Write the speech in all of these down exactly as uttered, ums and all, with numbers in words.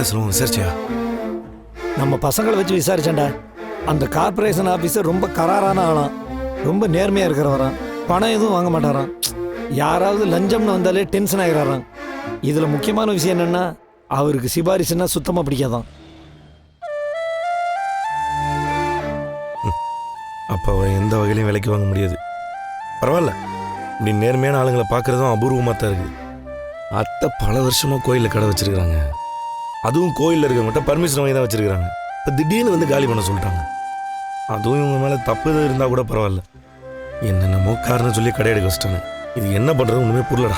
என்னடா சொல்லுவோம் விசாரிச்சியா? நம்ம பசங்களை வச்சு விசாரிச்சேன்டா. அந்த கார்பரேஷன் ஆஃபீஸர் ரொம்ப கராரான ஆளாம், ரொம்ப நேர்மையாக இருக்கிறவரான், பணம் எதுவும் வாங்க மாட்டாராம். யாராவது லஞ்சம்னு வந்தாலே டென்ஷன் ஆகிறாராம். இதில் முக்கியமான விஷயம் என்னென்னா அவருக்கு சிபாரிசுன்னா சுத்தமாக பிடிக்காதான். அப்போ அவர் எந்த வகையிலையும் விலைக்கு வாங்க முடியாது. பரவாயில்ல, இப்படி நேர்மையான ஆளுங்களை பார்க்குறதும் அபூர்வமாக தான் இருக்குது. அத்தை பல வருஷமாக கோயிலில் கடை வச்சுருக்கிறாங்க. அதுவும் கோயிலில் இருக்கவங்ககிட்ட பர்மிஷன் வாங்கி தான் வச்சுருக்கிறாங்க. இப்போ திடீர்னு வந்து காலி பண்ண சொல்லிட்டாங்க. அதுவும் இவங்க மேலே தப்பு எதுவும் இருந்தால் கூட பரவாயில்ல, என்னென்னமோ காரணம் சொல்லி கடை எடுக்க வச்சிட்டாங்க. இது என்ன பண்ணுறது ஒன்றுமே புரியலடா.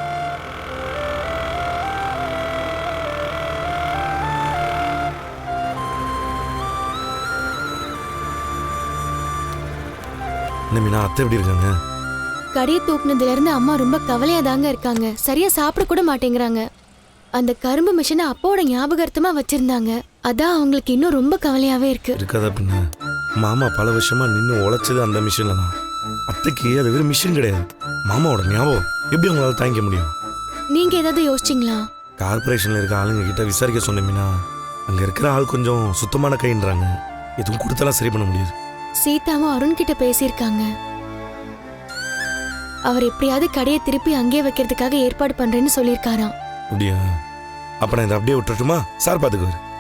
என்ன மீனா, அத்தை எப்படி இருக்காங்க? கடையை தூக்குனதுல இருந்து அம்மா ரொம்ப கவலையா தாங்க இருக்காங்க. சரியா சாப்பிட கூட மாட்டேங்கிறாங்க. அந்த கரும்பு மிஷினை அப்பாவோட ஞாபகார்த்தமா வச்சிருந்தாங்க. அதான் அவங்களுக்கு இன்னும் ரொம்ப கவலையாவே இருக்கு. இருக்காதா பின்ன? மாமா பல வருஷமா நின்று உழைச்சது அந்த மிஷின்ல தான். அத்தைக்கு அது வெறும் மிஷின் கிடையாது, மாமாவோட ஞாபகம். எப்படி அவங்களால தாங்கிக்க முடியும்? நீங்க ஏதாவது யோசிச்சிங்களா? கார்பரேஷன்ல இருக்க ஆளுங்க கிட்ட விசாரிக்க சொன்னீங்கன்னா, அங்க இருக்கிற ஆள் கொஞ்சம் சுத்தமான கைன்றாங்க. எதுவும் கொடுத்தாலும் சரி பண்ண முடியாது. சீதாவும் அருண் கிட்ட பேசியிருக்காங்க. அவர் எப்படியாவது கடையை திருப்பி அங்கேயே வைக்கிறதுக்காக ஏற்பாடு பண்றேன்னு சொல்லியிருக்காராம். அப்படியா? அப்ப நான் இதை அப்படியே விட்டுட்டுமா? சார் பாத்துக்குவாரு.